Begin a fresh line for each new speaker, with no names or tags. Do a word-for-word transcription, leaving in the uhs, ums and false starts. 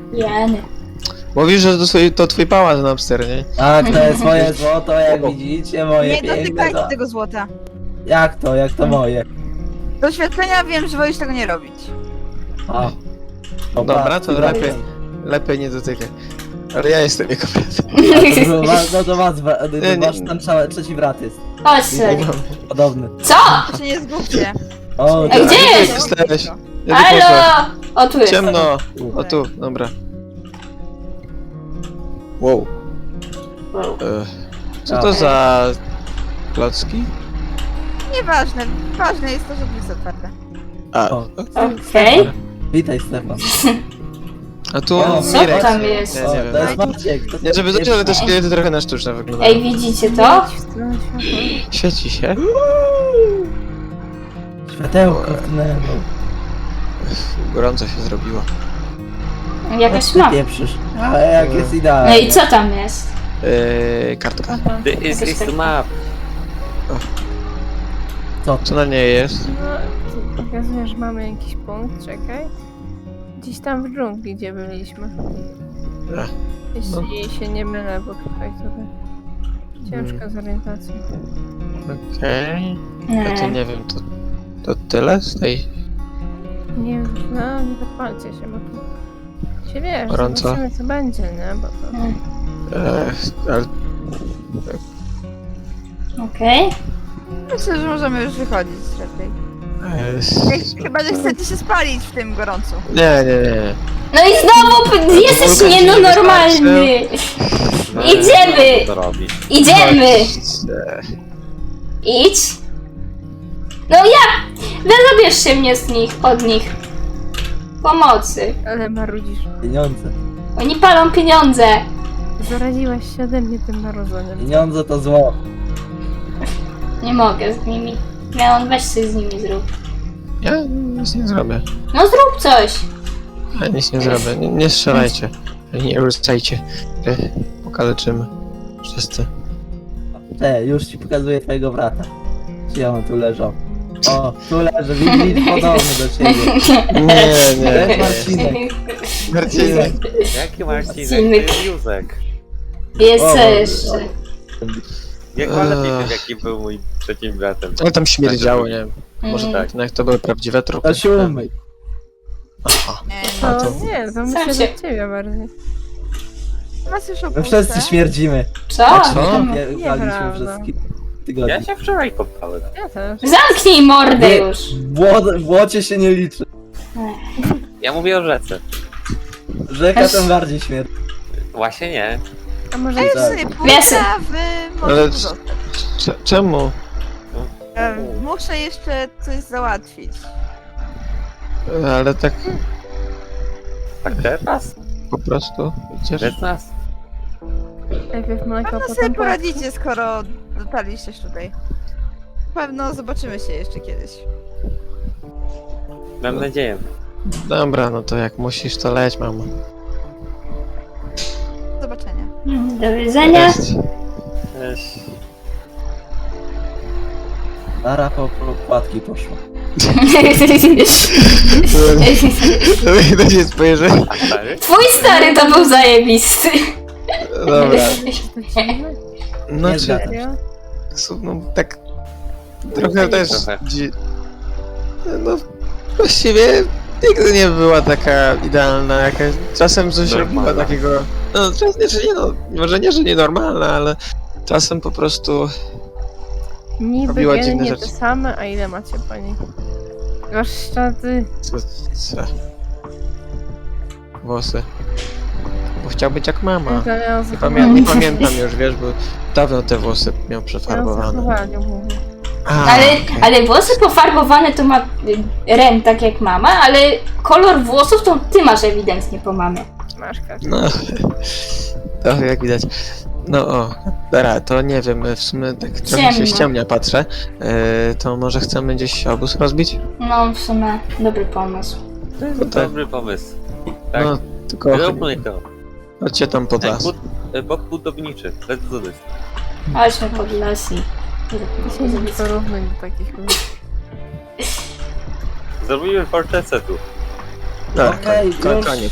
Jany.
Mówisz, że to twój, to twój pałac na Napster, nie?
Tak, to jest moje złoto, jak widzicie, moje
Nie
piękne
dotykajcie
złoto.
tego złota.
Jak to, jak to moje?
Do oświetlenia wiem, że wolisz tego nie robić.
O. O,
Dobra,
patrz,
to
dobra.
lepiej, lepiej nie dotykaj. Ale ja jestem jego bratem.
A to był was- No to was, bra- to
Nie, nie.
wasz tam trza- trzeci brat jest.
Chodź sobie.
Podobny.
Co?
To się nie zgubcie.
O,
Ej,
tak.
gdzie
Gdzie
jest?
jesteś? Ja tu poszłem.
Halo! O, tu jest.
Ciemno! O tu, dobra. Wow.
Wow.
E, co to za klocki?
Nieważne, ważne jest to, że drzwi są otwarte.
A,
O.
Okej.
Witaj, Stefan.
a tu
O,
Co
Mirek.
tam jest?
Nie,
O,
nie wiem.
to jest Maciek. To
Nie, żeby
jest
zacząć, ale te szkielety trochę na sztuczne wyglądają.
Ej, widzicie to?
Świeci się.
Światełko w tunelu.
Gorąco się zrobiło.
Jakaś
Ty
ma.
pieprzysz. Ale jak jest
No
idealnie.
i co tam jest?
Eee, kartka.
This is the map.
Co?
Co na niej jest?
No, pokazuje, że mamy jakiś punkt, czekaj. Gdzieś tam w dżungli, gdzie byliśmy.
Ech,
Jeśli się nie mylę, bo tutaj trochę ciężko z orientacją.
Okej. Ja to
Nie.
nie wiem, to, to tyle z tej...
Nie wiem, no nie zapalcie się, bo tu się wiesz,
Gorąco.
zobaczymy co będzie, nie? Bo to...
Eee, ale
Okej.
Myślę, że możemy już wychodzić lepiej.
eee,
Jak, chyba, że chcecie się spalić w tym gorącu.
nie, nie, nie.
No i znowu p- jesteś nienormalny. Idziemy!
Co robi?
Idziemy!
Eee,
Idź. No ja! Wyrobierz się mnie z nich, od nich. Pomocy.
Ale marudzisz.
Pieniądze.
Oni palą pieniądze.
Zaraziłaś się ode mnie tym marudzeniem.
Pieniądze to zło.
Nie mogę z nimi. Miałam, weź coś z nimi zrób.
Ja nic nie zrobię.
No zrób coś.
Ja nic nie zrobię. Nie, nie strzelajcie. Nie ruszajcie. Eee, Pokaleczymy. Wszyscy.
Cze, już ci pokazuję twojego brata. Gdzie on tu leżał? O, tu leży, widzisz, podobny do ciebie.
Nie, nie,
Cześć,
nie.
Marcinek.
Marcinek.
Jaki Marcinek?
Marcinek.
To jest Józek.
Jest
O,
co jeszcze.
Jak ma lepiej
Ech.
wiem, jaki był mój trzecim bratem.
Ale tam śmierdziało, nie wiem. Może
Mm.
tak, no jak to były prawdziwe trupy.
To się umyj.
Aha.
Nie,
A
To
to-
nie, to
Sam
myślę,
się-
że ciebie bardziej.
was już
My
opuszczę.
wszyscy śmierdzimy.
Co?
A co?
Upaliśmy
Nieprawda.
przez kilka
Ja
tygodni.
się wczoraj kąpałem.
Ja też.
Zamknij mordę
Nie.
już.
Bło- Błocie się nie liczy.
Ja mówię o rzece.
Rzeka tym bardziej śmierci.
Właśnie nie.
A może
A już
Tak.
sobie
Wiesy.
pójdę, a wy
Ale
możecie
c-
zostać.
Cze- Czemu?
E, Muszę jeszcze coś załatwić.
Ale tak
Tak teraz?
po prostu idziesz?
Bez nas.
najpierw mleko,
No
potem
sobie
płatki?
poradzicie, skoro dotarliście tutaj. Pewno zobaczymy się jeszcze kiedyś.
Mam nadzieję.
Dobra, no to jak musisz, to leć, mamo.
Do zobaczenia.
Do widzenia.
Cześć.
Cześć.
Lara po po płatki poszła.
To się spojrzy.
A stary?
Twój stary to był zajebisty.
Dobra.
To dziwne.
No
Nie
czy...
zgadzam.
Serio?
No tak... Trochę też...
Trochę.
Dzi... No właściwie nigdy nie była taka idealna jakaś. Czasem coś
Normalna.
robiła takiego... No czasem, że nie no, może nie, że nienormalna, ale czasem po prostu...
Niby
Robiła
geny
dziwne
nie te
rzeczy.
same, a ile macie pani? Warsztaty.
Co, co? Włosy. Bo chciał być jak mama. Nie, pamię nie pamiętam już, wiesz, bo dawno te włosy miał przefarbowane. A,
Ale,
okej.
ale włosy pofarbowane to ma y, Ren tak jak mama, ale kolor włosów to ty masz ewidentnie po mamie.
Masz każdy.
No, to jak widać. No o, dobra, to nie wiem, w sumie tak trochę się
Ciemno.
ściemnia, patrzę. Yy, to może chcemy gdzieś obóz rozbić?
No w sumie dobry pomysł.
To jest
tak.
dobry pomysł. Tak.
No, tylko
Róbmy to.
chodźcie tam pod
Ej,
las.
bud- e, Bok budowniczy. Let's do this.
Chodźmy pod las i...
Dzisiaj nie porównuj do takich ludzi.
Zrobimy fortecę tu.
Tak,
Okej,
ko- ko-
już.
koniec.